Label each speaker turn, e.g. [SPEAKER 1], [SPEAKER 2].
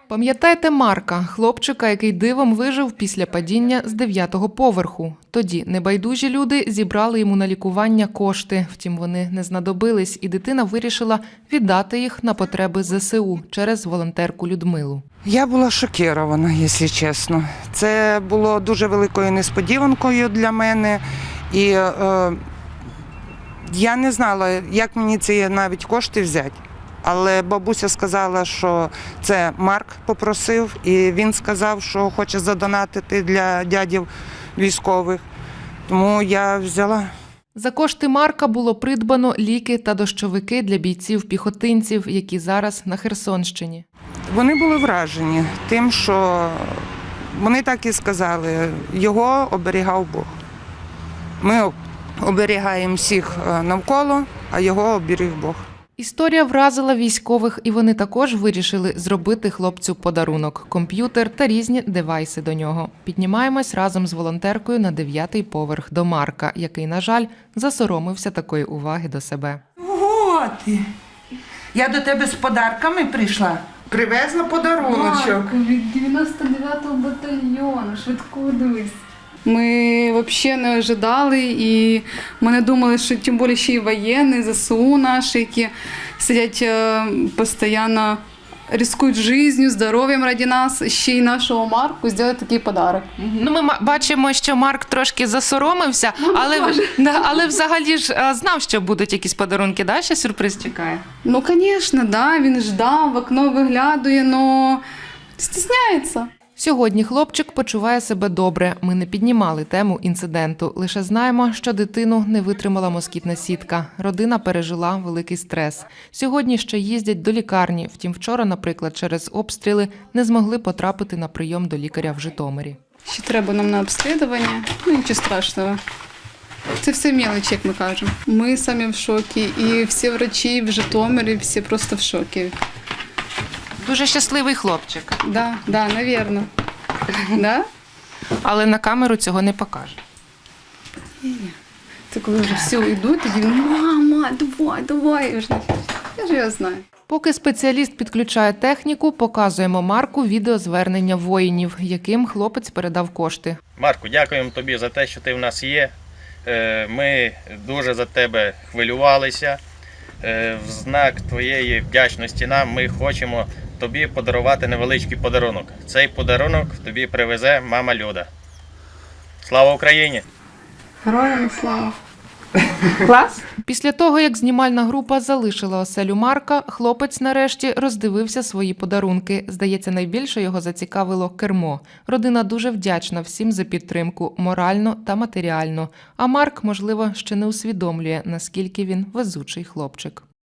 [SPEAKER 1] Пам'ятаєте Марка, хлопчика, який дивом вижив після падіння з 9-го поверху? Тоді небайдужі люди зібрали йому на лікування кошти. Втім, вони не знадобились, і дитина вирішила віддати їх на потреби ЗСУ через волонтерку Людмилу.
[SPEAKER 2] Я була шокірована, якщо чесно. Це було дуже великою несподіванкою для мене. І я не знала, як мені ці навіть кошти взяти. Але бабуся сказала, що це Марк попросив, і він сказав, що хоче задонатити для дядів військових. Тому я взяла.
[SPEAKER 1] За кошти Марка було придбано ліки та дощовики для бійців-піхотинців, які зараз на Херсонщині.
[SPEAKER 2] Вони були вражені тим, що вони так і сказали, його оберігав Бог. Ми оберігаємо всіх навколо, а його оберіг Бог.
[SPEAKER 1] Історія вразила військових, і вони також вирішили зробити хлопцю подарунок – комп'ютер та різні девайси до нього. Піднімаємось разом з волонтеркою на 9-й поверх до Марка, який, на жаль, засоромився такої уваги до себе.
[SPEAKER 2] Ого ти! Я до тебе з подарками прийшла. Привезла подаруночок.
[SPEAKER 3] Марко, від 99-го батальйону, швидко дивись. Ми взагалі не ожидали, і ми не думали, що тим більше ще й воєнні, ЗСУ наші, які сидять постійно, ризикують життю, здоров'ям ради нас, ще й нашого Марку зробити такий подарок.
[SPEAKER 1] Ну, ми бачимо, що Марк трошки засоромився, але взагалі ж знав, що будуть якісь подарунки, да? Ще сюрприз чекає?
[SPEAKER 3] Ну, звісно, да, він ждав, в окно виглядає, але стісняється.
[SPEAKER 1] Сьогодні хлопчик почуває себе добре. Ми не піднімали тему інциденту. Лише знаємо, що дитину не витримала москітна сітка. Родина пережила великий стрес. Сьогодні ще їздять до лікарні. Втім, вчора, наприклад, через обстріли не змогли потрапити на прийом до лікаря в Житомирі.
[SPEAKER 3] Ще треба нам на обслідування, ну нічого страшного. Це все мелочі, як ми кажемо. Ми самі в шокі, і всі врачі в Житомирі, всі просто в шокі.
[SPEAKER 1] Дуже щасливий хлопчик.
[SPEAKER 3] Да, навірно. Да?
[SPEAKER 1] Але на камеру цього не покаже.
[SPEAKER 3] Це коли вже всі йдуть, тоді мама, давай. Я ж його знаю.
[SPEAKER 1] Поки спеціаліст підключає техніку, показуємо Марку відеозвернення воїнів, яким хлопець передав кошти.
[SPEAKER 4] Марку, дякуємо тобі за те, що ти в нас є. Ми дуже за тебе хвилювалися. В знак твоєї вдячності нам ми хочемо тобі подарувати невеличкий подарунок. Цей подарунок тобі привезе мама Люда. Слава Україні!
[SPEAKER 3] Героям слава!
[SPEAKER 1] Клас! Після того, як знімальна група залишила оселю Марка, хлопець нарешті роздивився свої подарунки. Здається, найбільше його зацікавило кермо. Родина дуже вдячна всім за підтримку морально та матеріально. А Марк, можливо, ще не усвідомлює, наскільки він везучий хлопчик.